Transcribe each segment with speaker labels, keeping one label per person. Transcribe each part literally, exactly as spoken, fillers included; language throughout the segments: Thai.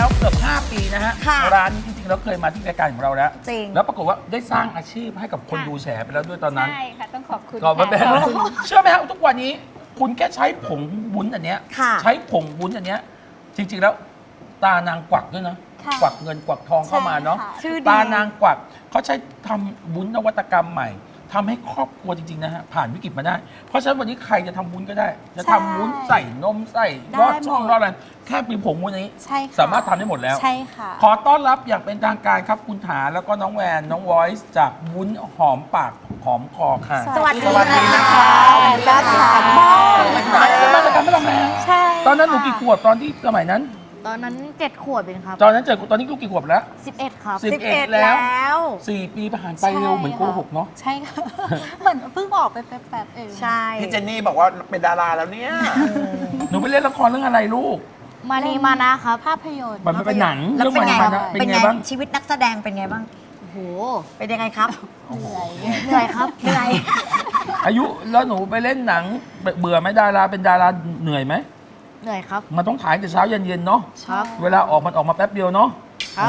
Speaker 1: แล้วเกือบห้าปีนะฮะ
Speaker 2: ค่ะ
Speaker 1: ร้านนี้จริงๆแล้วเคยมาที่รายการของเราแล้ว
Speaker 2: จริง
Speaker 1: แล้วปรากฏว่าได้สร้างอาชีพให้กับคน
Speaker 3: ค่ะ
Speaker 1: ดูแฉไปแล้วด้วยตอนนั้น
Speaker 3: ใช่ค่ะ ต้องขอบคุณ
Speaker 1: ก็ไม่เป็น
Speaker 3: ค่ะ
Speaker 1: ไรเชื่อไหมครับทุกวันนี้คุณแค่ใช้ผงวุ้นอันเนี้ย
Speaker 2: ค่ะ
Speaker 1: ใช้ผงวุ้นอันเนี้ยจริงๆแล้วตานางกวักด้วยนะ
Speaker 3: ค่ะ
Speaker 1: กวักเงินกวักทองเข้ามาเนาะ
Speaker 3: ใช่ค่ะ
Speaker 2: ชื่อดี
Speaker 1: ตานางกวักเขาใช้ทำวุ้นนวัตกรรมใหม่ทำให้ครอบครัวจริงๆนะฮะผ่านวิกฤตมาได้ เพราะฉะนั้นวันนี้ใครจะทำวุ้นก็ได้ จะทำวุ้นใส่นมใส่รอดช่องรอดอะไรแค่มีผงวุ้นนี้
Speaker 3: ใช่ค่ะ
Speaker 1: สามารถทำได้หมดแล้ว
Speaker 3: ใช่ค่ะ
Speaker 1: ขอต้อนรับอย่างเป็นทางการครับคุณถาแล้วก็น้องแวนน้องวอยซ์จากวุ้นหอมปากหอมคอค่ะ
Speaker 2: สวัสดี
Speaker 1: สวัสดีนะคะ
Speaker 2: สวัสดีค่ะ
Speaker 1: มาจากการไม่ทำแม่
Speaker 3: ใช่
Speaker 1: ตอนนั้นหนูกี่ขวบตอนที่สมัยนั้น
Speaker 4: ตอนนั้นเจ็ดขวบเองครับ
Speaker 1: ตอนนั้นเจอตอนนี้ลูกกี่ขวบแล้ว
Speaker 4: สิบเอ็ดครับ
Speaker 1: สิบ
Speaker 2: สิบเอ็ด
Speaker 1: แล้ว
Speaker 2: แล้ว
Speaker 1: สี่ปีผ่านไปเร็วเหมือนโกหกเนาะ
Speaker 3: ใช่ค่ะ เหมือนเพิ่งออกไปแป๊บๆเอง
Speaker 2: ใช่
Speaker 5: พี่เจนนี่บอกว่าเป็นดาราแล้วเนี่ย
Speaker 1: หนูไปเล่นละครเรื่องอะไรลูก
Speaker 4: มานีมานะครับ
Speaker 3: ภาพยนตร์
Speaker 1: มันเป็นหนัง
Speaker 2: แล้ว
Speaker 1: เรื่อง
Speaker 2: เป็น
Speaker 1: มัน
Speaker 2: ไง
Speaker 1: มันนะเป็นไงบ้าง
Speaker 2: ชีวิตนักแสดงเป็นไงบ้าง
Speaker 4: โอ้โห
Speaker 2: เป็นยังไงครับ
Speaker 3: เหนื่อย
Speaker 4: เหนื่อยครับ
Speaker 2: เหนื่อย
Speaker 1: อายุแล้วหนูไปเล่นหนังเบื่อไหมดาราเป็นดาราเหนื่อยไหม
Speaker 4: เหนื่อยครับ
Speaker 1: มันต้องถ่ายแต่เช้าเย็นๆเนาะ
Speaker 4: ครับ
Speaker 1: เวลาออกมันออกมาแป๊บเดียวเนาะ
Speaker 4: ครับ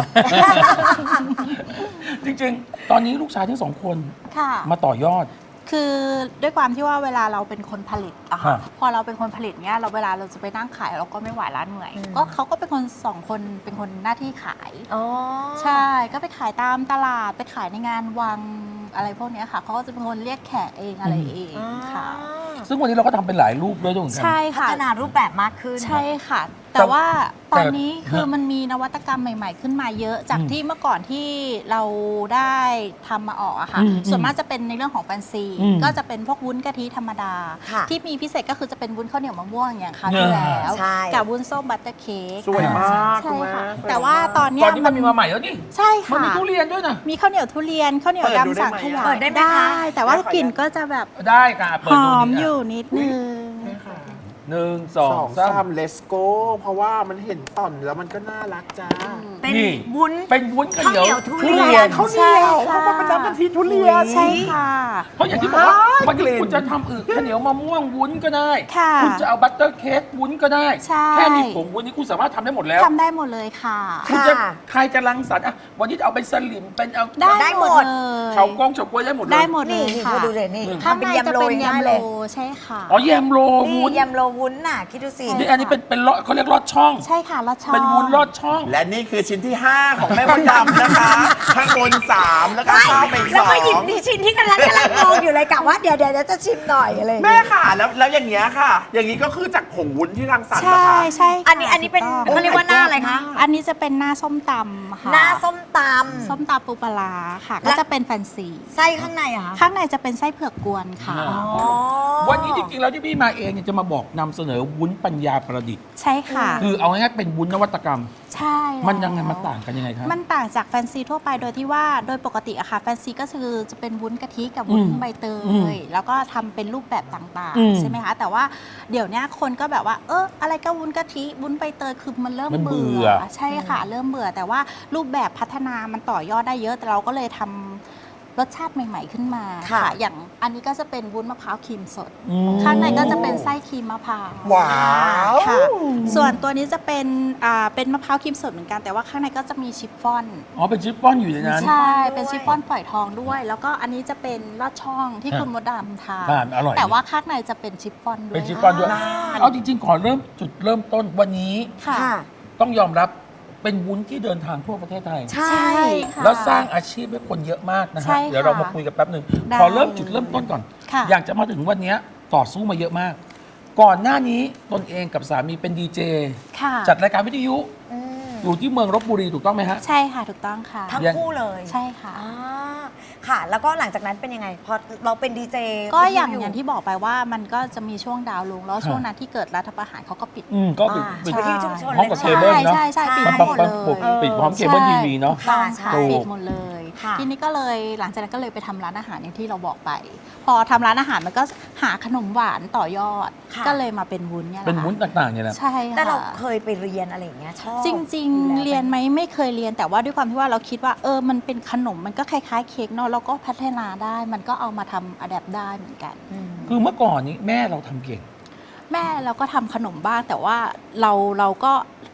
Speaker 1: จริงๆ ตอนนี้ลูกชายทั้งสองคน
Speaker 3: ค่ะ
Speaker 1: มาต่อยอด
Speaker 3: คือด้วยความที่ว่าเวลาเราเป็นคนผลิตอะค่ะ
Speaker 1: ฮะ
Speaker 3: พอเราเป็นคนผลิตเนี้ยเราเวลาเราจะไปนั่งขายเราก็ไม่ไหวร้านเหนื่อย
Speaker 2: อืม
Speaker 3: ก็เขาก็เป็นคนสองคนเป็นคนหน้าที่ขาย
Speaker 2: อ๋อ
Speaker 3: ใช่ ก็ไปขายตามตลาด ไปขายในงานวังอะไรพวกเนี้ยค่ะ เขาก็จะเป็นคนเรียกแขกเองอะไรเองค่ะ
Speaker 1: ซึ่งวันนี้เราก็ทำเป็นหลายรูปด้วยด้วยเหมือนกั
Speaker 3: ใช่
Speaker 2: พั
Speaker 3: ค่ะ
Speaker 2: ฒนารูปแบบมากขึ้น
Speaker 3: ใช่ค่ะ แต่ว่าตอนนี้
Speaker 1: แต่
Speaker 3: คือมันมีนวัตกรรมใหม่ ๆ ขึ้นมาเยอะ จาก
Speaker 1: อืม
Speaker 3: ที่เมื่อก่อนที่เราได้ทำมาออกอะค่ะ
Speaker 1: อืม
Speaker 3: ส่วนมากจะเป็นในเรื่องของแฟนซี
Speaker 1: อืม
Speaker 3: ก็จะเป็นพวกวุ้นกะทิธรรมดา
Speaker 2: ค่ะ
Speaker 3: ที่มีพิเศษก็คือจะเป็นวุ้นข้าวเหนียวมะม่วงอย่างคราว
Speaker 1: เนี่
Speaker 3: ที่
Speaker 1: ย
Speaker 3: แล้ว
Speaker 2: ใช่
Speaker 3: กับวุ้นส้มบัตเตอร์เค้ก
Speaker 5: สวยมาก
Speaker 3: ใช่
Speaker 5: คุณแม่
Speaker 3: ค่ะ
Speaker 5: สวย
Speaker 3: แต่ว่าตอนเนี้
Speaker 1: ต
Speaker 3: ย
Speaker 1: อนนี้มันมีมาใหม่แล้วนี่
Speaker 3: ใช่
Speaker 1: มัน
Speaker 3: ค่ะ
Speaker 1: มีทุเรียนด้วยนะ
Speaker 3: มีข้าวเหนียวทุเรียนข้าวเหนียว
Speaker 5: เปิดดู
Speaker 3: ดำสั่ง
Speaker 5: ได้ไหม
Speaker 3: ขยะ
Speaker 2: เปิดได้ไหมคะ
Speaker 3: แต่ว่ากลิ่นก็จะแบบ
Speaker 1: ได้ค่ะเปิ
Speaker 3: ห
Speaker 1: ดดู
Speaker 3: อม
Speaker 1: ดิ
Speaker 3: อยู่นิดนึง
Speaker 1: หนึ่งส
Speaker 5: ส
Speaker 1: อง
Speaker 5: อง
Speaker 1: สา
Speaker 5: สาม ม let's go เพราะว่ามันเห็นต่อนแล้วมันก็น่ารักจ้า
Speaker 2: เป็น
Speaker 1: นี่
Speaker 2: วุ้น
Speaker 1: เป็นวุ้นข้าวเหนียว
Speaker 2: ข้าวเหนียวทุเรียน
Speaker 5: เขาวเหนียว
Speaker 3: ใช่ค่ะ
Speaker 5: เขามาเป็นน้ำกะทิทุเรียน
Speaker 3: ใช่ค่ะ
Speaker 1: เพราะอย่างที่บอกว่า
Speaker 5: ว้าย
Speaker 1: วันนี้
Speaker 5: กลิ่น
Speaker 1: คุณจะทำอึข้าวเหนียวมะม่วงวุ้นก็ได้
Speaker 3: ค่ะ
Speaker 1: คุณจะเอาบัตเตอร์เค้กวุ้นก็ได้
Speaker 3: ใช่
Speaker 1: แค่มีผงวุ้นนี้คุณสามารถทำได้หมดแล้ว
Speaker 3: ทำได้หมดเลยค่ะ
Speaker 1: คุณจะ
Speaker 2: ค่ะ
Speaker 1: ใครจะรังสรรค์อ่ะวันนี้จะเอาเป็นสลิมเป็นเอา
Speaker 2: ได้หมด
Speaker 3: เลย
Speaker 1: เฉากล้องเฉาก๊วยได้หมดเลย
Speaker 3: ได้หมดเล
Speaker 2: นี่
Speaker 3: ย
Speaker 2: นี่
Speaker 3: ค่ะ
Speaker 2: คุณดูเลยนี่
Speaker 3: ข้าง
Speaker 2: ทำเป็น
Speaker 3: ใน
Speaker 2: ยำ
Speaker 3: จะ
Speaker 2: โร
Speaker 3: เป็น
Speaker 2: ยง่าย
Speaker 3: ยำ
Speaker 2: เล
Speaker 3: โร
Speaker 2: ย
Speaker 3: ใช่ค่ะ
Speaker 1: อ๋อแยมโร
Speaker 2: นี่
Speaker 1: วุ้น
Speaker 2: ยำโรวุ้นน่ะ คิดดูสิ
Speaker 1: นี่อันนี้เป็นเป็นลอดเขาเรียกลอดช่อง
Speaker 3: ใช่ค่ะลอดช่อง
Speaker 1: เป็นวุ้นลอดช่อง
Speaker 5: และนี่คือชิ้นที่ ห้า ของแม่มดดำนะคะ ข้างบนสามแล้วก็ข้าวไปอีก
Speaker 2: แล้
Speaker 5: ส
Speaker 2: ว
Speaker 5: อ
Speaker 2: ก็หยิบ
Speaker 5: ง
Speaker 2: นี่ชิ้นที่กำลังกำลังมองอยู่เลยกะว่าเดี๋ยวเดี๋ยวเดี๋ยวจะชิมหน่อยอะไรอย่าง
Speaker 5: แม่
Speaker 2: เงี้ย
Speaker 5: ค่ะแล้วแล้วอย่างเงี้ยค่ะ อย่างนี้ก็คือจากผงวุ้นที่รังสรรค์
Speaker 3: ใช่
Speaker 5: นะคะ
Speaker 3: ใช่ค่ะ
Speaker 2: อันนี้อันนี้เป็น
Speaker 3: ถูกต้อง
Speaker 2: เขาเรียกว่าหน้าอะไรคะ
Speaker 3: อันนี้จะเป็นหน้าส้มตำค่ะ
Speaker 2: หน้าส้มต
Speaker 3: ส้มตำปูปลาร้าค่ะ
Speaker 2: แล้
Speaker 3: ก็
Speaker 2: ว
Speaker 3: จะเป็นแฟนซี
Speaker 2: ำไส้ข้างในเหรอะคะ
Speaker 3: ข้างในจะเป็นไส้เผือกกวนค่ะ
Speaker 1: อ๋อ
Speaker 2: อ๋อ
Speaker 1: วันนี้จริงๆแล้วที่พี่มาเองเนี่ยจะมาบอกนำเสนอวุ้นปัญญาประดิษฐ์
Speaker 3: ใช่ค่ะ
Speaker 1: คือเอาง่ายๆเป็นวุ้นนวัตกรรม
Speaker 3: ใช่แล้ว
Speaker 1: มันยังไงมันต่างกันยังไงครับ
Speaker 3: มันต่างจากแฟนซีทั่วไปโดยที่ว่าโดยปกติอะค่ะแฟนซีก็คือจะเป็นวุ้นกะทิกับวุ้น
Speaker 1: อืม
Speaker 3: ใบเต
Speaker 1: อืม
Speaker 3: ยแล้วก็ทำเป็นรูปแบบต่าง
Speaker 1: อืม
Speaker 3: ๆ ใช่ไหมคะ แต่ว่าเดี๋ยวเนี้ยคนก็แบบว่า เอออะไรก็วุ้นกะทิวุ้นใบเตยคือมันเริ่ม
Speaker 1: มันเบื่
Speaker 3: เบื่
Speaker 1: อ
Speaker 3: อ ใช่ค่ะ เริ่มเบื่อ แต่ว่ารูปแบบพัฒนามันต่อยอดได้เยอะ แต่เราก็เลยทำรสชาติใหม่ ๆ ขึ้นมา
Speaker 2: ค่ะ
Speaker 3: อย่างอันนี้ก็จะเป็นวุ้นมะพร้าวครีมสด
Speaker 1: อืม
Speaker 3: ข้างในก็จะเป็นไส้ครีมมะพร้าว
Speaker 5: ว้าว
Speaker 3: ค่ะ ส่วนตัวนี้จะเป็นอ่าเป็นมะพร้าวครีมสดเหมือนกัน แต่ว่าข้างในก็จะมีชิฟฟ่อน
Speaker 1: อ๋อเป็นชิปป้อนอยู่ในนั้น
Speaker 3: ใช่ เป็นชิฟฟ่อนฝอยทองด้วย แล้วก็อันนี้จะเป็นลอดช่องที่
Speaker 1: ฮะ
Speaker 3: คุณมดดำทาน
Speaker 1: ทานอร่อย
Speaker 3: แต่ว่าข้างในจะเป็นชิฟฟ่อนด้วย
Speaker 1: เป็นชิปป้อนด้วย
Speaker 2: อ่า
Speaker 1: เอาจริงๆ ขอเริ่มจุดเริ่มต้นวันนี้
Speaker 3: ค่ะ
Speaker 2: ค่ะ
Speaker 1: ต้องยอมรับเป็นวุ้นที่เดินทางทั่วประเทศไทย
Speaker 2: ใช่
Speaker 3: ใช่ค่ะ
Speaker 1: แล้วสร้างอาชีพให้คนเยอะมากนะ
Speaker 3: ใช่
Speaker 1: ฮะ
Speaker 3: ค่ะ
Speaker 1: เดี๋ยวเรามาคุยกันแป๊บหนึ่ง
Speaker 3: ได้
Speaker 1: ขอเริ่มจุดเริ่มต้นก่อน
Speaker 3: ค่ะ
Speaker 1: อยากจะมาถึงวันนี้ต่อสู้มาเยอะมาก ก่อนหน้านี้ตนเองกับสามีเป็นดีเจ
Speaker 3: ค่ะ
Speaker 1: จัดรายการวิทยุ
Speaker 2: อืม
Speaker 1: อยู่ที่เมืองลบบุรีถูกต้องไหมฮะ
Speaker 3: ใช่ค่ะ ถูกต้องค่ะ
Speaker 2: ทั้งคู่เลย
Speaker 3: ใช่ค่ะ
Speaker 2: อ่าค่ะ แล้วก็หลังจากนั้นเป็นยังไง พอเราเป็นดีเจ
Speaker 3: ก็อย่างอย่างที่บอกไปว่ามันก็จะมีช่วงดาวน์ลง แล้ว
Speaker 1: ครับ
Speaker 3: ช่วงนั้นที่เกิดรัฐประหารเขาก็ปิด
Speaker 1: อืมก็ปิด
Speaker 2: อ่า
Speaker 1: ปิด
Speaker 2: ใช่ที่ชุมชน
Speaker 1: พร้อมกับ
Speaker 2: เลย
Speaker 1: เคเบิลเนาะ
Speaker 3: ใช่ใช่ใช่ปิด
Speaker 1: มัน
Speaker 3: ทั้งหมด
Speaker 1: มัน
Speaker 3: เลย
Speaker 1: ปิดพร้อมเคเบิลทีวีเนาะ
Speaker 3: ถูกต้องค่ะ
Speaker 1: ถูก
Speaker 3: ปิดหมดเลย
Speaker 2: ค่ะ
Speaker 3: ทีนี้ก็เลยหลังจากนั้นก็เลยไปทำร้านอาหารอย่างที่เราบอกไป พอทำร้านอาหารมันก็หาขนมหวานต่อยอด
Speaker 2: ค่ะ
Speaker 3: ก็เลยมาเป็นวุ้นเนี่ยแหละ
Speaker 1: เป็นวุ้น
Speaker 3: ค่ะ
Speaker 1: ต่างๆเนี่ยแหละ
Speaker 3: ใช่ค่ะ
Speaker 2: แต่เราเคยไปเรียนอะไรอย่างเงี้ยชอบ
Speaker 3: จริง
Speaker 2: อยู่
Speaker 3: ๆ
Speaker 2: แล้ว
Speaker 3: เรียนไหมไม่เคยเรียนแต่ว่าด้วยความที่ว่าเราคิดว่าเออมันเป็นขนมมันก็คล้ายๆเค้กเนาะเราก็พัฒนาได้มันก็เอามาทำอะแดปได้เหมือนกัน
Speaker 2: อืม
Speaker 1: คือเมื่อก่อนนี้แม่เราทำเก่ง
Speaker 3: แม่เราก็ทำขนมบ้างแต่ว่าเราเราก็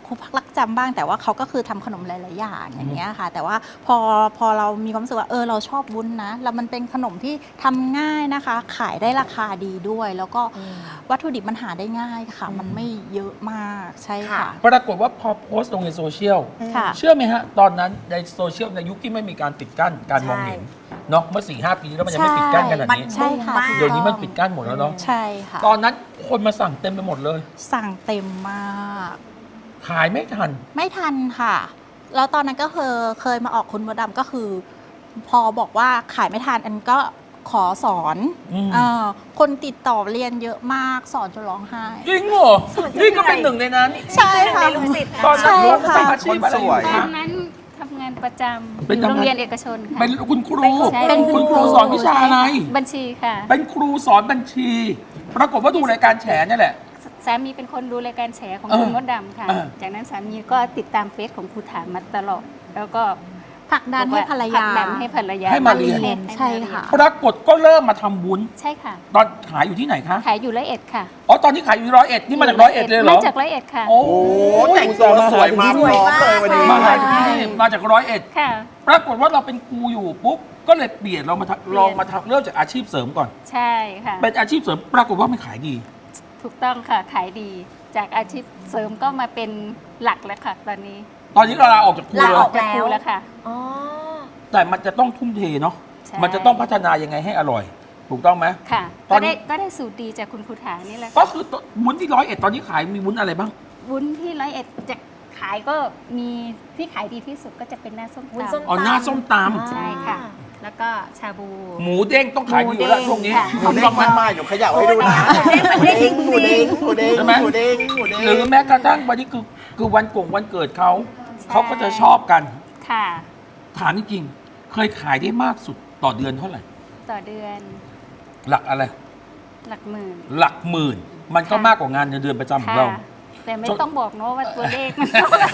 Speaker 3: ครูพักรักจำบ้างแต่ว่าเขาก็คือทำขนมหลาย ๆ อย่างอย่างเงี้ยค่ะ แต่ว่าพอพอเรามีความรู้สึกว่าเออเราชอบวุ้นนะแล้วมันเป็นขนมที่ทำง่ายนะคะ ขายได้ราคาดีด้วย แล้วก็วัตถุดิบมันหาได้ง่ายค่ะ มันไม่เยอะมากใช่ค่ะ
Speaker 1: ปรากฏว่าพอโพสต์ลงในโซเชียล
Speaker 3: ค่ะ
Speaker 1: เชื่อไหมฮะ ตอนนั้นในโซเชียลในยุคที่ไม่มีการปิดกั้นการมองเห็นเนาะเมื่อสี่ห้าปีแล้วมันยังไม่ปิดกั้นขนาดนี้
Speaker 3: ใช่ค่ะ
Speaker 2: มัน
Speaker 1: เดี๋ยวนี้มันปิดกั้นหมดแล้วเนาะ
Speaker 3: ใช่ค่ะ
Speaker 1: ตอนนั้นคนมาสั่งเต็มไปหมดเลย
Speaker 3: สั่งเต็มมาก
Speaker 1: ขายไม่ทัน
Speaker 3: ไม่ทันค่ะ แล้วตอนนั้นก็เคยเคยมาออกคุณมดดำก็คือ พอบอกว่าขายไม่ทันอันก็ขอสอน
Speaker 1: อืม
Speaker 3: เออคนติดต่อเรียนเยอะมากสอนจนร้องไห้
Speaker 1: จริงเหรอ นี่ก็เป็นหนึ่งในนั้น
Speaker 3: ใช่ค่ะ
Speaker 2: ในลูกศิษย์นะ
Speaker 1: ตอนนั้น
Speaker 3: ใช่
Speaker 1: รู้
Speaker 3: ค่ะ
Speaker 1: ทำอาชีพอะไรอยู่
Speaker 5: คนสวย
Speaker 1: คะ
Speaker 6: ตอนนั้นทำงานประจำ
Speaker 1: เป็น
Speaker 6: อยู่
Speaker 1: ทำงาน
Speaker 6: โรงเรียนเอกชนค่ะ
Speaker 1: เป็นคุณครู
Speaker 6: ใช่
Speaker 3: เป็นคุ
Speaker 1: คุณ
Speaker 3: ณ
Speaker 1: ค
Speaker 3: ครู
Speaker 1: รูสอนวิชาอะไร
Speaker 6: บัญชีค่ะ
Speaker 1: เป็นครูสอนบัญชี ปรากฏว่าดูรายการแฉเนี่ยแหละ
Speaker 6: สามีเป็นคนดูรายการแฉของ
Speaker 1: เออ
Speaker 6: คุณมดดำค่ะ
Speaker 1: เออ
Speaker 6: จากนั้นสามีก็ติดตามเฟซของครูถามมาตลอด แล้วก็
Speaker 3: ผลักดันให้ภรร
Speaker 6: ผลั
Speaker 3: ยา
Speaker 6: กดันให้ภรรยา
Speaker 1: ให้มาเรียน
Speaker 6: ให้
Speaker 3: ใช่ค่ะ
Speaker 1: ปรากฏก็เริ่มมาทำวุ้น
Speaker 6: ใช่ค่ะ
Speaker 1: ตอนขายอยู่ที่ไหนคะ
Speaker 6: ขายอยู่ร้อยเอ็ดค่ะ
Speaker 1: อ๋อ ตอนนี้ขายอยู่ร้อยเอ็ดนี่มาจากร้อยเอ็ดเลยเหรอ
Speaker 6: มาจากร้อยเอ็ดค่ะ
Speaker 1: โอ้
Speaker 5: โอ้แต่งตัวสวยมากพร้อมเลยวันนี้
Speaker 1: มาหาที่นี่มาจากร้อยเอ็ด
Speaker 6: ค่ะ
Speaker 1: ปรากฏว่าเราเป็นครูอยู่ปุ๊บ ก็เลยเปลี่ยนเรามาทำลองมาทำเริ่มจากอาชีพเสริมก่อน
Speaker 6: ใช่ค่ะ
Speaker 1: เป็นอาชีพเสริม ปรากฏว่ามันขายดี
Speaker 6: ถูกต้องค่ะ ขายดี จากอาชีพเสริมก็มาเป็นหลักแล้วค่ะ ตอนนี้
Speaker 1: ตอนนี้เราลาออกจากครู
Speaker 2: ลา
Speaker 1: เล
Speaker 2: ออก
Speaker 1: ย
Speaker 6: จากครูแล้วค่ะ
Speaker 2: อ๋อ
Speaker 1: แต่มันจะต้องทุ่มเทเนาะ
Speaker 6: ใช่
Speaker 1: มันจะต้องพัฒนายังไงให้อร่อย ถูกต้องไหม
Speaker 6: ค่ะ
Speaker 1: ตอ
Speaker 6: ก็
Speaker 1: นนี้
Speaker 6: ได้ก็ได้สูตรดีจากคุณครูถานี่แหละ
Speaker 1: ก็
Speaker 6: ค่ะ
Speaker 1: คือวุ้นที่ร้อยเอ็ดตอนนี้ขายมีวุ้นอะไรบ้าง
Speaker 6: วุ้นที่ร้อยเอ็ดจะขายก็มีที่ขายดีที่สุดก็จะเป็นหน้าส้ม
Speaker 2: วุ้นส้ม
Speaker 6: ตำ
Speaker 1: อ๋อหน้าส้มต
Speaker 6: ใช่ค่ะ แล้วก็ชาบู
Speaker 1: ำหมูเด้งต้องขายดีอยู่แล้ว
Speaker 6: หมูเด้ง
Speaker 1: ช่วงนี้
Speaker 6: ค่ะ
Speaker 5: หมูเด้งมากๆอยู่เขย่าให้ดูนะ
Speaker 2: หมูเด้งจริงๆ
Speaker 5: หมูเด้งหมูเด้ง
Speaker 1: ใช่ไหม
Speaker 5: หมูเด้งหมูเด้ง
Speaker 1: หรือแม้กระทั่งวันนี้คือคือวันกงวันเกิดเขาเขาก็จะชอบกัน
Speaker 6: ค่ะ
Speaker 1: ถามจริงๆเคยขายได้มากสุดต่อเดือนเท่าไหร่
Speaker 6: ต่อเดือน
Speaker 1: หลักอะไร
Speaker 6: หลักหมื่น
Speaker 1: หลักหมื่น มันก็
Speaker 6: ค่ะ
Speaker 1: มากกว่างานเดือนประจำของ
Speaker 6: ค่ะ
Speaker 1: เรา
Speaker 6: แต่ไม่
Speaker 1: จน
Speaker 6: ต้องบอกเนอะว่าตัวเลขมันเท่าไหร่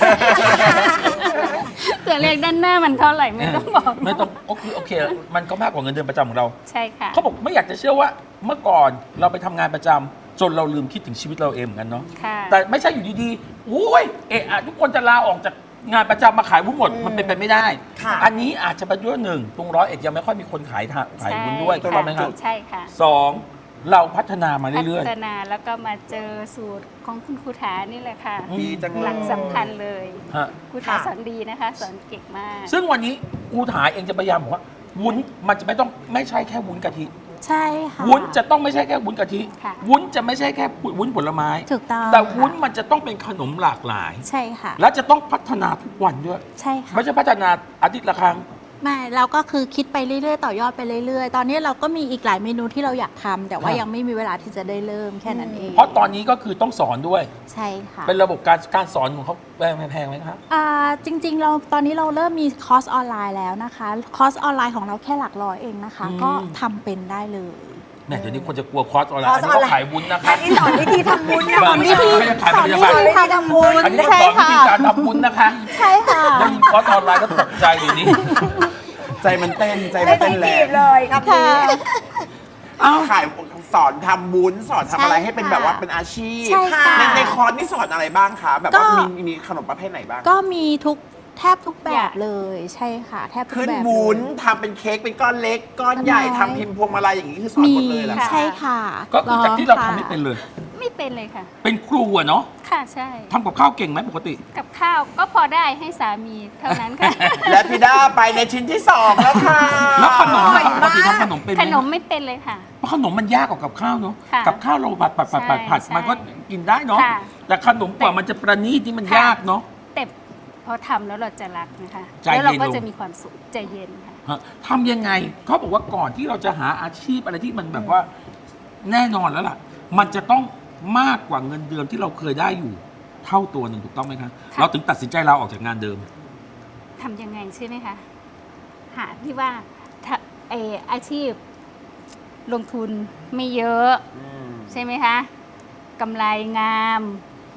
Speaker 6: ตัวเลขด้านหน้ามันเท่าไหร่ไม่ต้องบอก
Speaker 1: ไม่ต้องโอเคโอเค มันก็มากกว่าเงินเดือนประจำของเรา
Speaker 6: ใช่ค่ะ
Speaker 1: เขาบอกไม่อยากจะเชื่อว่าเมื่อก่อนเราไปทำงานประจำจนเราลืมคิดถึงชีวิตเราเองเหมือนกันเนาะ
Speaker 6: ค่ะ
Speaker 1: แต่ไม่ใช่อยู่ดีๆโอ้ยเอะอะทุกคนจะลาออกจากงานประจำมาขายวุ้นหมด มันเป็นไปไม่ได้
Speaker 2: ค่ะ
Speaker 1: อันนี้อาจจะเป็นด้วยหนึ่งตรงร้อยเอ็ดยังไม่ค่อยมีคนขายทาขายวุ้นด้วยถูกต้องไหมครับ
Speaker 6: ใช่ค่ะ
Speaker 1: สองเราพัฒนามา
Speaker 6: พั
Speaker 1: เรื่อย
Speaker 6: ฒนาแล้วก็มาเจอสูตรของคุณครูถานี่แหละค่ะ
Speaker 1: อืม
Speaker 5: ดีจัง
Speaker 6: ห
Speaker 5: เล
Speaker 6: ลั
Speaker 5: ย
Speaker 6: กสำคัญเลย
Speaker 1: ๆฮะ
Speaker 6: ครูถาสอนดีนะคะ สอนเก่งมาก
Speaker 1: ซึ่งวันนี้กูถาเองจะพยายามบอกว่าวุ้นมันจะไม่ต้องไม่ใช่แค่วุ้นกะทิ
Speaker 3: ใช่ค่ะ
Speaker 1: วุ้นจะต้องไม่ใช่แค่วุ้นกะทิ
Speaker 6: ค่ะ
Speaker 1: วุ้นจะไม่ใช่แค่วุ้นผลไม้
Speaker 3: ถูกต้อง
Speaker 1: แต่วุ้น
Speaker 3: ค่ะ
Speaker 1: มันจะต้องเป็นขนมหลากหลาย
Speaker 3: ใช่ค่ะ
Speaker 1: และจะต้องพัฒนาทุกวันด้วย
Speaker 3: ใช่ค่ะ
Speaker 1: ไม่ใช่พัฒนาอาทิตย์ละครั้ง
Speaker 3: ไม่เราก็คือคิดไปเรื่อยๆ ต่อยอดไปเรื่อยๆ ตอนนี้เราก็มีอีกหลายเมนูที่เราอยากทำแต่ว่า
Speaker 1: ครับ
Speaker 3: ยังไม่มีเวลาที่จะได้เริ่มแค่นั้นเอง
Speaker 1: เพราะตอนนี้ก็คือต้องสอนด้วย
Speaker 3: ใช่ค่ะ
Speaker 1: เป็นระบบการการสอนของเขาแพงแพงไหมครับ
Speaker 3: อ่าจริงๆ เราตอนนี้เราเริ่มมีคอร์สออนไลน์แล้วนะคะ คอร์สออนไลน์ของเราแค่หลักร้อยเองนะคะ
Speaker 1: อืม
Speaker 3: ก็ทำเป็นได้เลย
Speaker 1: แหม่เดี๋ยวนี้คนจะกลัวคอร์สออนไลน์
Speaker 2: คอ
Speaker 1: อั
Speaker 2: ร์
Speaker 1: น
Speaker 2: ส
Speaker 1: นี้
Speaker 2: ออนไลน์
Speaker 1: เขาขายวุ้นนะค
Speaker 2: อั
Speaker 1: รับ
Speaker 2: นนี้สอนวิธีทำบุญนะ
Speaker 1: บ้า
Speaker 2: คะ
Speaker 1: ไม่ใช่ไม่ใช่ขายผลิตภัณฑ์
Speaker 2: วิธีทำบุญ
Speaker 1: อันนี้เขาสอนวิธีการทำวุ้นนะคะ
Speaker 3: ใช่ค่ะ
Speaker 1: ได้ยินคอร์สออนไลน์ก็ตกใจเดี๋ยวนี้
Speaker 5: ใจมันเต้นใจมั
Speaker 2: ไม่
Speaker 5: น
Speaker 2: ต้อ
Speaker 5: เต้
Speaker 2: ง
Speaker 5: นแร
Speaker 2: จี
Speaker 5: ง
Speaker 2: บเลยครับ
Speaker 3: ค่ะ
Speaker 1: เอ้า
Speaker 5: ขายสอนทำบุญสอนทำอะไร
Speaker 3: ใช่
Speaker 5: ให้เป็น
Speaker 3: ค่ะ
Speaker 5: แบบว่าเป็นอาชีพ
Speaker 3: ใช่ค่ะ
Speaker 5: ในในคอร์สนี่สอนอะไรบ้างคะแบบว่า
Speaker 3: ก็
Speaker 5: มีมีขนมประเภทไหนบ้าง
Speaker 3: ก็มีทุกแทบทุกแบบเลยใช่ค่ะ แทบทุก
Speaker 5: ขึ้น
Speaker 3: แบบ
Speaker 5: วุ้น
Speaker 3: เลย
Speaker 5: ทำเป็นเค้กเป็นก้อนเล็ก ก้อนใหญ่
Speaker 3: น้อย
Speaker 5: ทำพิมพ์พวงมาลัยอย่างนี้คือสอน
Speaker 3: มี
Speaker 5: หมดเลยเหรอ
Speaker 6: ค่ะ
Speaker 3: ใช่ค่ะ
Speaker 1: ก็คือจากที่เราทำ
Speaker 3: ค่ะ
Speaker 1: ไม่เป็นเลย
Speaker 6: ไม่เป็นเลยค่ะ
Speaker 1: เป็นครูอะเนาะ
Speaker 6: ค่ะใช่
Speaker 1: ทำกับข้าวเก่งไหมปกติ
Speaker 6: กับข้าวก็พอได้ให้สามีเท่านั้นค่ะ
Speaker 5: และพี่ด้าไปในชิ้นที่สองแล้วค่ะ
Speaker 1: แล้วขนม
Speaker 2: อร่อย
Speaker 1: ปกติ
Speaker 2: มาก
Speaker 1: ทำขนมเป็นไห
Speaker 6: ข
Speaker 1: ม
Speaker 6: นมไม่เป็นเลยค่ะ
Speaker 1: เพราะขนมมันยากกว่ากับข้าวเนาะ
Speaker 6: ค่ะ
Speaker 1: กับข้าวเราผัดผัดผัดผัดผัด
Speaker 6: ใช่
Speaker 1: มันก็กินได้เนาะ
Speaker 6: ค่ะ
Speaker 1: แต่ขนมกว่ามันจะประณีตที่มัน
Speaker 6: ค่ะ
Speaker 1: ยากเนาะ
Speaker 6: แต่พอทำแล้วเราจะรักนะคะ
Speaker 1: ใจ
Speaker 6: แล้วเรา
Speaker 1: เย็น
Speaker 6: ก็
Speaker 1: ลง
Speaker 6: จะมีความสุขใจเย็นค่ะ
Speaker 1: ฮะทำยังไงเขาบอกว่าก่อนที่เราจะหาอาชีพอะไรที่มันแบบว่าแน่นอนแล้วล่ะ มันจะต้องมากกว่าเงินเดือนที่เราเคยได้อยู่ เท่าตัวหนึ่งถูกต้องไหมคะ
Speaker 6: ค่ะ
Speaker 1: เราถึงตัดสินใจลาออกจากงานเดิม
Speaker 6: ทำยังไงใช่ไหมคะ หาที่ว่าถ้าเอออาชีพ ลงทุนไม่เยอะ
Speaker 5: อืม
Speaker 6: ใช่ไหมคะกำไรงาม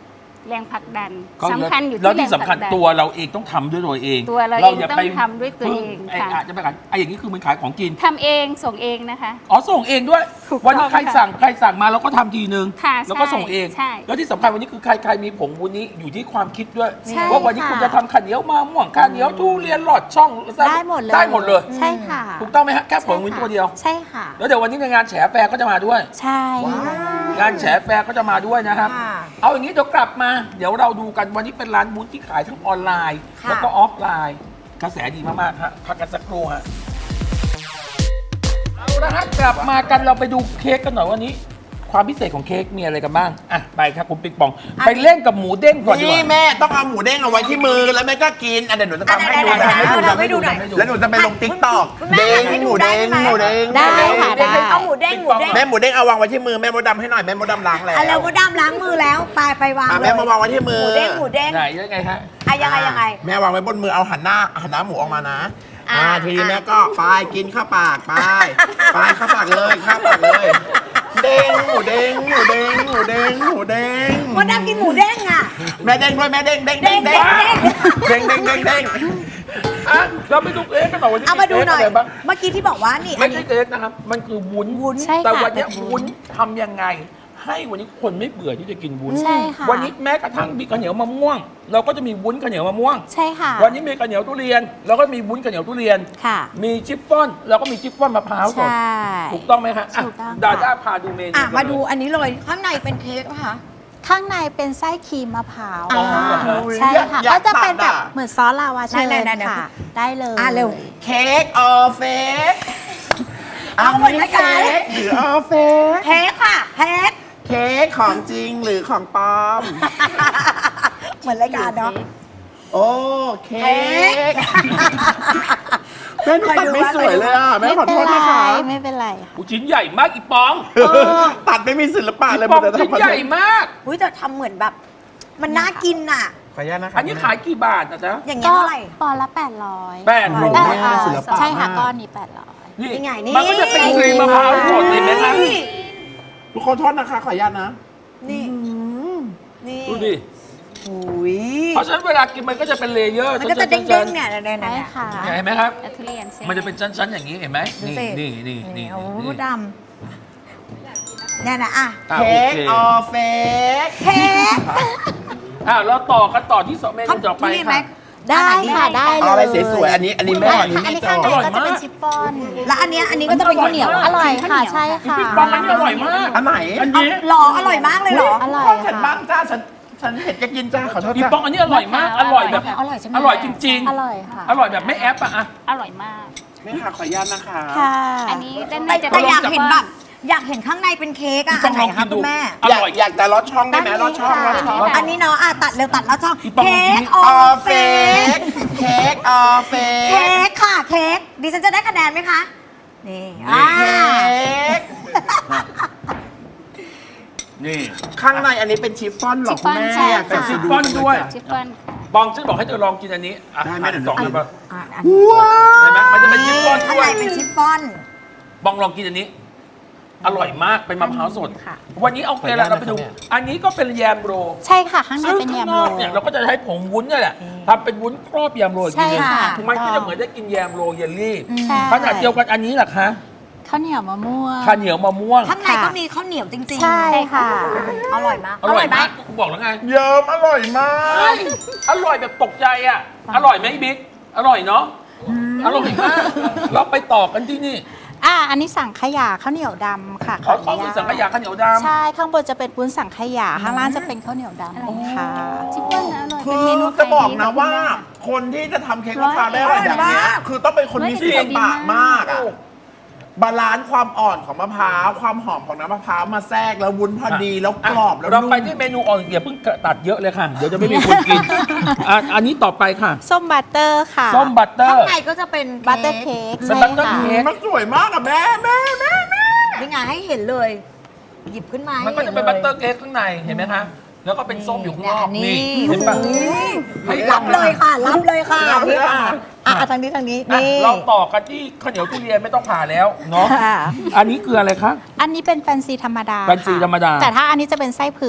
Speaker 6: แรงผลักดัน
Speaker 1: ก็
Speaker 6: สำคัญอยู่
Speaker 1: แล้ว
Speaker 6: ที่แร
Speaker 1: ที่
Speaker 6: ง
Speaker 1: สำ
Speaker 6: ผ
Speaker 1: คั
Speaker 6: ลั
Speaker 1: ญ
Speaker 6: กดัน
Speaker 1: ตัวเราเองต้องทำด้วยตัวเอง
Speaker 6: ตัวเราเอง
Speaker 1: ย่า
Speaker 6: ต้อง
Speaker 1: ไป
Speaker 6: ทำด้วยตัวเอง
Speaker 1: ไอ้
Speaker 6: ค่ะ
Speaker 1: อาจจะไปขายไอ้อย่างนี้คือมันขายของกิน
Speaker 6: ทำเองส่งเองนะคะ
Speaker 1: อ๋อส่งเองด้วย
Speaker 6: ถูกต้อง
Speaker 1: วันนี้ใคร
Speaker 6: ค่ะ
Speaker 1: สั่งใครสั่งมาเราก็ทำทีนึง
Speaker 6: ค่ะ
Speaker 1: แล้วก็
Speaker 6: ใช่
Speaker 1: ส่งเอง
Speaker 6: ใช่
Speaker 1: แล้วที่สำคัญวันนี้คือใครใครมีผงวุ้นนี้อยู่ที่ความคิดด้วย
Speaker 3: ใช่
Speaker 1: ว่าวันนี้
Speaker 3: ค่ะ
Speaker 1: คุณจะทำข้าวเหนียวมะม่วงข้าวเหนียวทุเรียนหลอดช่อง
Speaker 3: ได้หมดเลย
Speaker 1: ได้หมดเลย
Speaker 3: ใช่ค่ะ
Speaker 1: ถูกต้องไหมฮะแค่ผงวุ้น
Speaker 3: ใช่ค่ะ
Speaker 1: ตัวเดียว
Speaker 3: ใช่ค่ะ
Speaker 1: แล้วเดี๋ยววันนี้ในงานแฉแฟร์ก็จะมาด้วย
Speaker 3: ใช่
Speaker 1: งานแฉแฟร์ก็จะมาด้วยนะครับ
Speaker 2: ค่ะ
Speaker 1: เอาอย่างนี้เดี๋ยวกลับมา เดี๋ยวเราดูกันวันนี้เป็นร้านวุ้นที่ขายทั้งออนไลน์
Speaker 2: ค่ะ
Speaker 1: แล้วก็ออฟไลน์ กระแสดีมากๆฮะพักกันสักครู่ฮะเอาละฮะกลับมากันเราไปดูเค้กกันหน่อยวันนี้ ความพิเศษของเค้กมีอะไรกันบ้างอ่ะไปครับคุณปิ๊กปอง ไปเล่นกับหมูเด้งก่อนดีก
Speaker 5: นี่
Speaker 1: ว่า
Speaker 5: แม่ต้องเอาหมูเด้งเอาไว้ที่มือแล้วแม่ก็กินอ่ะเดี๋ยวหนูจะทำให้ดู
Speaker 2: ได้
Speaker 5: ทำให้
Speaker 2: ได้
Speaker 5: ดู
Speaker 2: ได้
Speaker 5: ทำให้ดู
Speaker 2: ได้ได้
Speaker 5: แล้วหนูจะไปลงติ๊กต็อก
Speaker 2: คุณแม่
Speaker 5: เด้ง
Speaker 2: ให้ดู
Speaker 5: หมู
Speaker 2: ได้
Speaker 5: เด้ง
Speaker 2: ไหม
Speaker 5: หมูเด้ง
Speaker 3: ได้
Speaker 5: หมูเด้ง
Speaker 3: ค่ะได้
Speaker 2: เอาหมูเด้งหมูเด้ง
Speaker 5: แม่หมูเด้งเอาวางไว้ที่มือแม่มดดำให้หน่อยแม่มดดำล้างแล้ว
Speaker 2: อ่ะแล้วก็ดามล้างมือแล้วไปไปวาง
Speaker 5: อ่ะ
Speaker 2: เล
Speaker 5: แม่
Speaker 2: ย
Speaker 5: มาวางไว้ที่มื
Speaker 2: ห
Speaker 5: อ
Speaker 2: มูเด้งหมูเด้ง
Speaker 1: ไหนยังไงฮะ
Speaker 2: อ่ะยังไงยังไง
Speaker 5: แม่วางไว้บนมือเอาหันหน้าหันหน้าหมูออกมานะ
Speaker 2: อ่ะ
Speaker 5: อ่าทีนี้
Speaker 2: อ่ะ
Speaker 5: แม่ก็ไปกินเข้าปากไปไปเข้าปากเลยเข้าปากเลย เด้งหมูเด้งหมูเด้งหมูเด้งหมูเด้ง
Speaker 2: มดดำกินหมูเด้งอ่ะ
Speaker 5: แม่เด้งด้วยแม่เด้งเด้งเด้งเด้งเด้งเด้งเด้งเด้ง
Speaker 1: อ่ะเราไปดูเค้กกันหน่อยวันนี้
Speaker 2: เอามาดูหน่อย
Speaker 1: เค้กะไรบ้าง
Speaker 2: เมื่อกี้ที่บอกว่านี่อั
Speaker 1: ไม่
Speaker 2: น
Speaker 1: ใช่
Speaker 2: นี้
Speaker 1: เค้กนะครับ มันคือวุ้น
Speaker 2: วุ้น
Speaker 3: ใช่ค่ะ
Speaker 1: แต่วันเนี้ย
Speaker 3: เป็นวุ้
Speaker 1: วุ้น
Speaker 3: น
Speaker 1: ทำยังไง ให้วันนี้คนไม่เบื่อที่จะกินวุ้น
Speaker 3: ใช่ค่ะ
Speaker 1: วันนี้แม้กระทั่งมีข้าวเหนียวมะม่วง เราก็จะมีวุ้นข้าวเหนียวมะม่วง
Speaker 3: ใช่ค่ะ
Speaker 1: วันนี้มีข้าวเหนียวทุเรียน เราก็มีวุ้นข้าวเหนียวทุเรียน
Speaker 3: ค่ะ
Speaker 1: มีชิฟฟ่อนเราก็มีชิฟฟ่อนมะพร้าวส
Speaker 3: ใช่
Speaker 1: ดถูกต้องไหมคะอ่ะ
Speaker 3: ถูกต้อง
Speaker 1: ดา
Speaker 3: ค่ะ
Speaker 1: ด้าพาดูเมนู
Speaker 2: อ่ะ
Speaker 1: กัน
Speaker 2: มาดู
Speaker 1: เลย
Speaker 2: อันนี้เลยข้างในเป็นเค้กนะคะ
Speaker 3: ข้างในเป็นไส้ครีมมะพร้าว
Speaker 1: อ๋อเหรอคะ
Speaker 3: ใช่ค่ะ
Speaker 5: อยา
Speaker 3: ก็
Speaker 5: ก
Speaker 3: จะเป็น
Speaker 5: ตัด
Speaker 3: แบบ
Speaker 5: อ่ะ
Speaker 3: เหมือนซอสลาวาเช
Speaker 2: ไหน
Speaker 3: ญ
Speaker 2: ๆๆๆ
Speaker 3: ค่ะ ได้เลย
Speaker 2: อ่ะเร็ว
Speaker 5: เค้กออเฟส
Speaker 2: เอาเหมือนรายการ
Speaker 5: เค้กหรือออเฟส
Speaker 2: เค้กค่ะเค้ก
Speaker 5: เค้กของจริงหรือของปลอม
Speaker 2: เหมือนรายการเนาะ
Speaker 5: โอ้เค้กแม่หนูตัดไม่สวยเลยอ่ะแม่
Speaker 3: ไม่
Speaker 5: ขอ
Speaker 3: เป็
Speaker 5: โท
Speaker 3: น
Speaker 5: ษ
Speaker 3: ไร
Speaker 5: นะคะ
Speaker 3: ไม่เป็นไรค่ะ
Speaker 1: อุ๊ยชิ้นใหญ่มากอีปอง
Speaker 5: ตัดไม่มีศิลปะ
Speaker 1: อี
Speaker 5: เลย
Speaker 1: ปอง
Speaker 5: มันจะ
Speaker 1: ชิ้น
Speaker 5: ทำ
Speaker 1: ใหญ่มาก
Speaker 2: อุ้ยแต่ทำเหมือนแบบ มันน่ากินอ่ะ
Speaker 5: ขออนุญาตนะคะ
Speaker 1: อันนี้ขายกี่บาทนะจ๊ะ
Speaker 2: อย่างเงี้ย
Speaker 3: ก็
Speaker 2: เท่าไหร่
Speaker 3: ปอนด์ละแปดร้อย
Speaker 1: แปดร้อย
Speaker 3: ได้
Speaker 5: แม่
Speaker 3: ค่ะ
Speaker 5: ศิลปะ
Speaker 3: ใช่ค่ะ
Speaker 5: มาก
Speaker 3: ก้อนนี้แปดร้อย
Speaker 1: นี่
Speaker 2: นี่ไงนี่
Speaker 1: มันก็จะเป็นครีมมะพร้าวสดเห็นไหมคะ
Speaker 2: นี่
Speaker 5: ทุกคนโทษนะคะ ขออนุญาตนะ
Speaker 2: นี่นี่
Speaker 1: ดูดิ
Speaker 2: อุ้ย
Speaker 1: เพราะฉะนั้นเวลากินมันก็จะเป็นเลเยอร์
Speaker 2: มันก็จะเด้งๆเนี่ยเนี่ยเนี่ย
Speaker 3: ใช่
Speaker 2: เนี่ย
Speaker 3: ค่ะ
Speaker 1: เห็นไหมครับ
Speaker 6: แล้วทุเรียนใช่ไหม
Speaker 1: มันจะเป็นชั้นๆอย่างนี้เห็นไหม
Speaker 2: ดู
Speaker 1: นี่
Speaker 2: สิ
Speaker 1: นี่นี่นี่
Speaker 2: โอ้
Speaker 1: นี่
Speaker 2: โหดำเนี่ยนะอ่ะ
Speaker 1: อ่ะ
Speaker 5: เค้ก
Speaker 1: โอ
Speaker 5: อ
Speaker 1: เค
Speaker 5: อเฟส
Speaker 2: เค้ก
Speaker 1: อ่ะเราต่อกันต่อที่สองเมนูต่อไป
Speaker 2: ทุเรียนไหม
Speaker 1: ค่ะ
Speaker 3: ได้ค่ะได้เลย
Speaker 5: เอาอะไรสวยๆอันนี้อันนี้แม่อันนี้
Speaker 3: อัน
Speaker 5: แม่
Speaker 3: นี้
Speaker 5: จ
Speaker 3: ข้าง
Speaker 5: อ
Speaker 3: ใน
Speaker 5: ด
Speaker 3: ก็จะเป็นชิฟฟ่อน
Speaker 2: แล้วอันเนี้ยอันนี้ก็จะเป็นข้าวเหนียว
Speaker 3: อร่อยค่ะใช่ค่ะ
Speaker 1: พี่ปองอันนี้อร่อยมาก
Speaker 5: อันไหน
Speaker 1: อันนี้
Speaker 2: หรออร่อยมากเลยเหรอ
Speaker 3: อร่อย
Speaker 5: ขอฉัน
Speaker 3: ค่ะ
Speaker 5: บ้างจ้าฉันฉันเผ็ดจะกินจ้าขอโทษ
Speaker 1: พี่
Speaker 5: จ้า
Speaker 1: ปองอันนี้อร่อยมาก อร่อยแบบ
Speaker 2: อร่อยใช่ไหม
Speaker 1: อร่อยจริง
Speaker 3: อร่อยค่ะ
Speaker 1: ๆ อร่อยแบบไม่แอปอะอะ
Speaker 6: อร่อยมาก
Speaker 5: แม่ค่ะขออนุญาตนะคะ
Speaker 3: ค่ะ
Speaker 6: อันนี้ด้านใน
Speaker 2: แต่
Speaker 6: จะ
Speaker 2: แต่
Speaker 6: เป็น
Speaker 2: อยาก
Speaker 6: ชิฟ
Speaker 2: เห็น
Speaker 6: ฟ่อ
Speaker 2: แบบอยากเห็นข้างในเป็นเค้กอ่ะ
Speaker 1: พี่ป
Speaker 2: อั
Speaker 1: อน ง
Speaker 2: ไหน
Speaker 1: ลอง
Speaker 2: คะ
Speaker 1: กินดู
Speaker 2: คุณแม่
Speaker 1: อ
Speaker 5: อยาก
Speaker 1: ร่อย
Speaker 5: อยากแต่รสช่องได้ไหม
Speaker 3: ได้
Speaker 5: รสช่องร
Speaker 3: ค่ะ
Speaker 5: สช่อง
Speaker 6: ได้ค่ะ
Speaker 2: อันนี้เนาะอ่ะตัดเร็วตัดแล้วช่อง
Speaker 1: พี่ปอง
Speaker 2: เค้ก
Speaker 5: อ
Speaker 2: อ
Speaker 5: อ
Speaker 2: อ
Speaker 5: เฟ
Speaker 2: เฟ
Speaker 5: สเค้กออเฟส
Speaker 2: เค้กค่ะเค้กดิฉันจะได้คะแนนไหมคะนี่อ่า
Speaker 5: เค้ก
Speaker 1: นี่
Speaker 5: ข้างในอันนี้เป็นชิฟฟ่อนเหรอคุณแม่
Speaker 6: ชิฟฟ่อนใช่
Speaker 5: อยากจะ
Speaker 6: ค่ะ
Speaker 5: ชิม
Speaker 1: ชิฟฟ่อนด้วย
Speaker 6: ชิฟฟ่อนค่ะ
Speaker 1: ปองฉันบอกให้เธอลองกินอันนี้อ่ะ
Speaker 5: ได้ไหมเดี๋ยว
Speaker 1: สอง
Speaker 5: ลอง
Speaker 1: เลยปะ
Speaker 2: อ่ะอัน
Speaker 5: ว้า
Speaker 1: เห็นไหมมันจะเป็นชิฟฟ่อน
Speaker 2: ข้าง
Speaker 1: ด้ว
Speaker 2: ใน
Speaker 1: ย
Speaker 2: เป็นชิฟฟ่อน
Speaker 1: ปองลองกินอันนี้ อร่อยมากเป็นมะพร้าวสด
Speaker 3: ค่ะ
Speaker 1: วันนี้เอาเกลือเราไปดู อันนี้ก็เป็นแยมโร
Speaker 3: ใช่ค่ะ ข้างใน
Speaker 1: ซึ่ง
Speaker 3: เป็น
Speaker 1: ข้าง
Speaker 3: ยำ
Speaker 1: น
Speaker 3: โร
Speaker 1: อกเนี่ยเราก็จะใช้ผงวุ้นเนี่ยแหละทำเป็นวุ้นครอบแยมโรอีกที
Speaker 3: ใช่
Speaker 1: นึง
Speaker 3: ค่ะ
Speaker 1: มันก็จะเหมือนได้กินแยมโรเยลลี่
Speaker 3: ใช่
Speaker 1: ขนาดเดียวกันอันนี้แหละคะ
Speaker 3: ข้าวเหนียวมะม่วง
Speaker 1: ข้าวเหนียวมะม่วง
Speaker 2: ข้างในก็มีข้าวเหนียวจริงๆ
Speaker 3: ใช่ค่ะ
Speaker 2: อร่อยมาก
Speaker 1: อร่อยมากกูบอกแล้วไง
Speaker 5: เยิ้มอร่อยมาก
Speaker 1: อร่อยแบบตกใจอ่ะ อร่อยไหมบิ๊ก อร่อยเนาะ อร่อยมาก เราไปต่อกันที่นี่
Speaker 3: อ่า อันนี้สังขยาข้าวเหนียวดำค่ะ
Speaker 1: เขา
Speaker 3: ข
Speaker 1: เขา
Speaker 3: นุ
Speaker 1: คือ
Speaker 3: ญต
Speaker 1: สังขยาข้าวเหนียวดำ
Speaker 3: ใช่ ข้างบนจะเป็นวุ้นสังขยา ข้างล่างจะเป็นข้าวเหนียวดำค่ะ
Speaker 6: ชิฟฟ่อนนะอร่อย
Speaker 5: คื
Speaker 6: เป็น
Speaker 5: อ
Speaker 6: เมนู
Speaker 5: จะบอกนะ
Speaker 6: ขยดี
Speaker 5: ว่า
Speaker 6: ค่ะ
Speaker 5: คนที่จะทำเค้กมะพร้าวได้อร่อยแบบเนี้ยคือต้องเป็นคนมีศิลปะมากอะบาลานซ์ความอ่อนของมะพร้าวความหอมของน้ำมะพร้าวมาแทรกแล้ววุ้นพอดีแล้วกรอบแล้ว
Speaker 1: เรา
Speaker 5: นุ่ม
Speaker 1: ไปที่เมนูอ่อนอย่าเพิ่งตัดเยอะเลยค่ะ เดี๋ยวจะไม่มีคนกินอ่ะอันนี้ต่อไปค่ะ
Speaker 3: ส้มบัตเตอร์ค่ะ
Speaker 1: ส้มบัตเตอ
Speaker 2: ข้าง
Speaker 1: ร์
Speaker 2: ในก็จะเป็น
Speaker 3: บัตเตอร์เค้ก
Speaker 1: เป็น
Speaker 3: ใช่
Speaker 1: บัตเตอร์
Speaker 3: ค่ะ
Speaker 1: เค้ก
Speaker 5: มันสวยมากอะแม่แม่แม่แม่
Speaker 2: นี่ไงให้เห็นเลย หยิบขึ้นมา
Speaker 1: มันก็จะเป็นบัตเตอร์เค้กข้างในเห็นไหมคะแล้วก็เป็นส้มอยู่ข้างนอก
Speaker 2: นี่
Speaker 1: นี่เห็นปะ ให้
Speaker 2: รับเลยค่ะ รับเลยค่ะ
Speaker 5: รับเลย
Speaker 2: นี่ค่ะ
Speaker 5: ค่ะ
Speaker 2: อ่ะทางนี้ทางนี้
Speaker 1: อ่ะ
Speaker 2: นี่
Speaker 1: เราต่อกันที่ข้าวเหนียวทุเรียนไม่ต้องผ่าแล้วเนาะ
Speaker 3: ค่ะ
Speaker 1: อันนี้คืออะไรคะ
Speaker 3: อันนี้เป็นแฟนซีธรรมดา
Speaker 1: แฟนซี
Speaker 3: ค่ะ
Speaker 1: ธรรมดา
Speaker 3: แต่ถ้าอันนี้จะเป็นไส้เผือก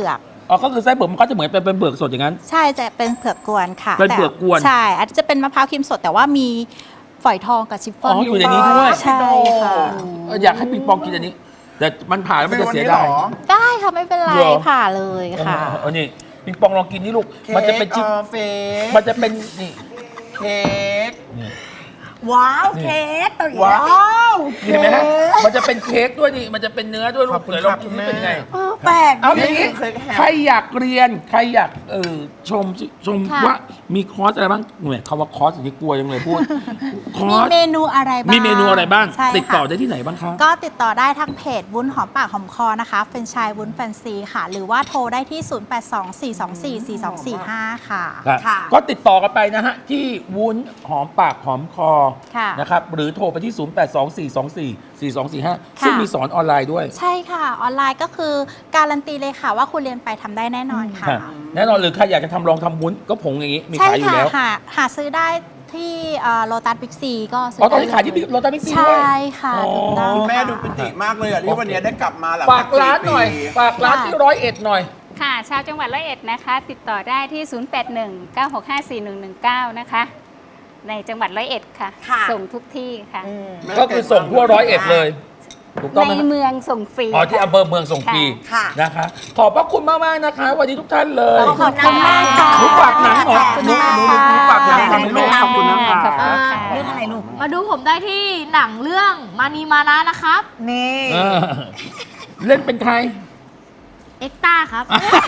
Speaker 1: อ๋อก็คือไส้เผือกมันก็จะเหมือนเป็นเป็นเผือกสดอย่างนั้น
Speaker 3: ใช่จะเป็นเผือกกวนค่ะ
Speaker 1: เป็นเผือกกวน
Speaker 3: แต่ใช่อาจจะเป็นมะพร้าวครีมสดแต่ว่ามีฝอยทองกับชิฟฟ่อน
Speaker 1: อ๋ออยู่ในนี้ด้วย
Speaker 3: ใช่ค่ะ
Speaker 1: เอออยากให้ปิงปองกินอันนี้ แต่มันผ่าแล้วมันจะเสียดาย
Speaker 5: ซื้อวันนี้เหรอ
Speaker 3: ได้ค่ะไม่เป็นไร
Speaker 1: เหรอ
Speaker 3: ผ่าเลยค่ะ
Speaker 1: เออเออนี่ปิงปองลองกินนี่ลูก มันจะเป็นชิป
Speaker 5: ค้กออเฟก
Speaker 1: มันจะเป็นนี่
Speaker 5: เค้ก
Speaker 1: นี่
Speaker 2: ว้าวเค้กตัวใหญ่
Speaker 5: ว้าว
Speaker 1: เห็นไหมฮะมันจะเป็นเค้กด้วยนี่มันจะเป็นเนื้อด้วยลู
Speaker 5: ขอก บคุณ
Speaker 1: เดี๋ยวลอง
Speaker 5: ครับ
Speaker 1: กิน
Speaker 5: คุณ
Speaker 1: นี่
Speaker 5: แม่
Speaker 1: เป็นยังไง
Speaker 2: เออแปลก
Speaker 1: เอาอย่างนี้
Speaker 5: นี่เคยแฮม
Speaker 1: ใครอยากเรียนใครอยากเออชมชม
Speaker 3: ค่ะ
Speaker 1: ว่ามีคอร์สอะไรบ้างเนี่ยคำว่าคอร์สอย่างนี้กลัวจังเลยพูดคอ
Speaker 3: มี
Speaker 1: ร์ส
Speaker 3: เมนูอะไรบ้าง
Speaker 1: มีเมนูอะไรบ้าง
Speaker 3: ใช่
Speaker 1: ติดต่อ
Speaker 3: ค่ะ
Speaker 1: ได้ที่ไหนบ้างคะ
Speaker 3: ก็ติดต่อได้ทางเพจวุ้นหอมปากหอมคอนะคะเป็นชายวุ้นแฟนซีค่ะ หรือว่าโทรได้ที่ ศูนย์ แปด สอง สี่ สอง สี่ สี่ สอง สี่ ห้า ค่ะ
Speaker 1: ครับ
Speaker 2: ค่ะ
Speaker 1: ก็ติดต่อกันไปนะฮะ ที่วุ้นหอมปากหอมคอ
Speaker 3: ค่ะ
Speaker 1: นะครับหรือโทรไปที่ ศูนย์ แปด สอง สี่ สอง สี่ สี่ สอง สี่ ห้า
Speaker 3: ค่ะ
Speaker 1: ซึ่งมีสอนออนไลน์ด้วย
Speaker 3: ใช่ค่ะ ออนไลน์ก็คือการันตีเลยค่ะว่าคุณเรียนไปทำได้แน่นอนค่ะ
Speaker 1: ค่ะแน่นอนหรือใครอยากจะทำลองทำวุ้นก็ผงอย่างนี้มี
Speaker 3: ใช่
Speaker 1: ขายอยู่
Speaker 3: ค่ะ
Speaker 1: แล้ว
Speaker 3: หาหาซื้อได้ที่โลตัสบิ๊กซีก็ซื้
Speaker 1: อ๋อตอนนี้
Speaker 3: ได้
Speaker 1: ขายที่โรตัสบิ๊กซี
Speaker 3: ใช
Speaker 1: ด้วย
Speaker 3: ่ค่ะ
Speaker 1: อ๋อ
Speaker 3: ถูกต้อง
Speaker 5: คุณแม่
Speaker 3: ค่ะ
Speaker 5: ดูปิติมากเลยอ่ะที่วันนี้ได้กลับมาหลัง
Speaker 1: ฝากร้านหน่อย
Speaker 5: สี่ปี
Speaker 1: ฝากร้านที่ร้อยเอ็ดหน่อย
Speaker 6: ค่ะ ชาวจังหวัดร้อยเอ็ดนะคะ ติดต่อได้ที่ ศูนย์ แปด หนึ่ง เก้า หก ห้า สี่ หนึ่ง หนึ่ง เก้า นะคะ ในจังหวัดร้อยเอ็ดค่ะ
Speaker 2: ค่ะ
Speaker 6: ส่งทุกที่ค่ะ
Speaker 2: อืม
Speaker 1: ก็คือส่งทั่วร้อยเอ็ดเลย ถูกต้องไหม
Speaker 6: ใน
Speaker 1: ครับ
Speaker 6: เมืองส่งฟรี
Speaker 1: อ๋อที่
Speaker 6: ค่ะ
Speaker 1: อำเภอเมืองส่งฟรี
Speaker 2: ค่ะ
Speaker 1: นะคะ ขอบพระคุณมากๆนะคะ วันนี้ทุกท่านเลย
Speaker 2: ขอบคุณมากค่ะ
Speaker 1: หนูฝากหนังเหรอหนูหนูหนูหนูฝากหนัง
Speaker 2: ขอบ
Speaker 1: ทำ
Speaker 2: คุณ
Speaker 1: ให้ลูก
Speaker 2: มาก
Speaker 1: ขอบคุณนะคะ
Speaker 6: ขอบคุณค่ะ
Speaker 2: เรื่องอะไรลูก
Speaker 4: มาดูผมได้ที่หนังเรื่องมานีมานะนะครับ
Speaker 2: นี่
Speaker 1: เออเล่นเป็นใคร
Speaker 4: เอ็กต้าครับ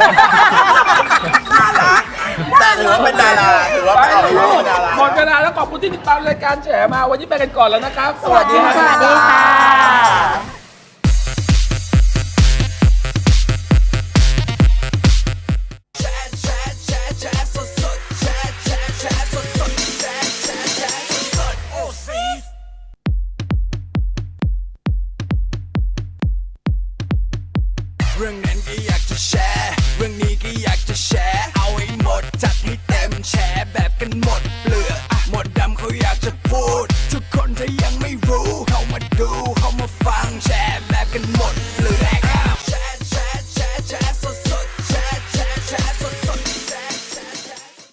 Speaker 5: น่ารักแต่ถือว่าเป็นดาราถือว่า
Speaker 1: ไป
Speaker 5: เป็น
Speaker 1: ลูก
Speaker 5: ดารา
Speaker 1: หมดเวลาแล้วขอบคุณที่ติดตามรายการแฉมา วันนี้ไปกันก่อนแล้วนะครับ สวัสดี
Speaker 3: สวัสดีค่ะ